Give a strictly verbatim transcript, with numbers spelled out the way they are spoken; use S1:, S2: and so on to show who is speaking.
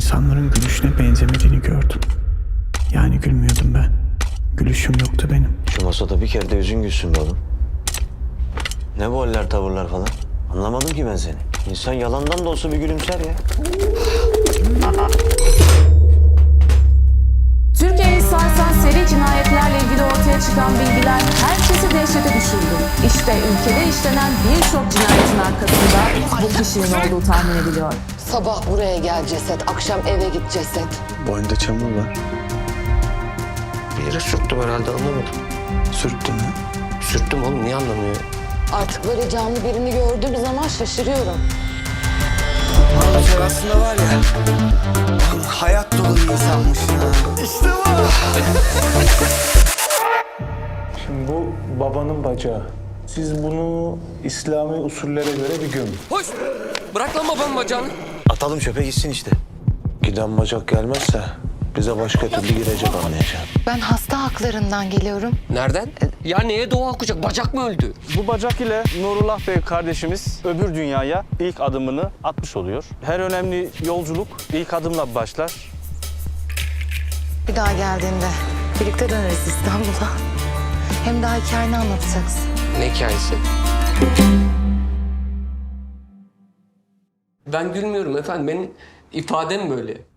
S1: İnsanların gülüşüne benzemediğini gördüm. Yani gülmüyordum ben. Gülüşüm yoktu benim.
S2: Şu masada bir kere de yüzün gülsün be oğlum. Ne bu haller, tavırlar falan? Anlamadım ki ben seni. İnsan yalandan da olsa bir gülümser ya.
S3: Türkiye'yi sarsan seri cinayetlerle ilgili ortaya çıkan bilgiler herkesi dehşete düşürdü. İşte ülkede işlenen birçok cinayetin arkasında bu kişinin olduğu tahmin ediliyor.
S4: Sabah buraya gel ceset, akşam eve git ceset.
S2: Boynunda çamur var. Bir yere sürttüm herhalde, anlamadım. Sürttün mü?
S5: Sürttüm oğlum, niye anlamıyor?
S4: Artık böyle canlı birini gördüğüm zaman şaşırıyorum.
S6: Sen aslında var ya, hayat dolu bir insanmışsın ha. İşte bu.
S7: Şimdi bu babanın bacağı. Siz bunu İslami usullere göre bir gömün.
S5: Hoş! Bırak lan babamın bacağını.
S2: Atalım çöpe gitsin işte.
S7: Giden bacak gelmezse bize başka türlü girecek anlayacağım.
S4: Ben hasta haklarından geliyorum.
S5: Nereden? Ya neye doğa okuyacak? Bacak mı öldü?
S8: Bu bacak ile Nurullah Bey kardeşimiz öbür dünyaya ilk adımını atmış oluyor. Her önemli yolculuk ilk adımla başlar.
S4: Bir daha geldiğinde birlikte döneriz İstanbul'a. Hem daha hikayeni anlatacaksın.
S5: Ne hikayesi? Ben gülmüyorum efendim. Benim ifadem böyle.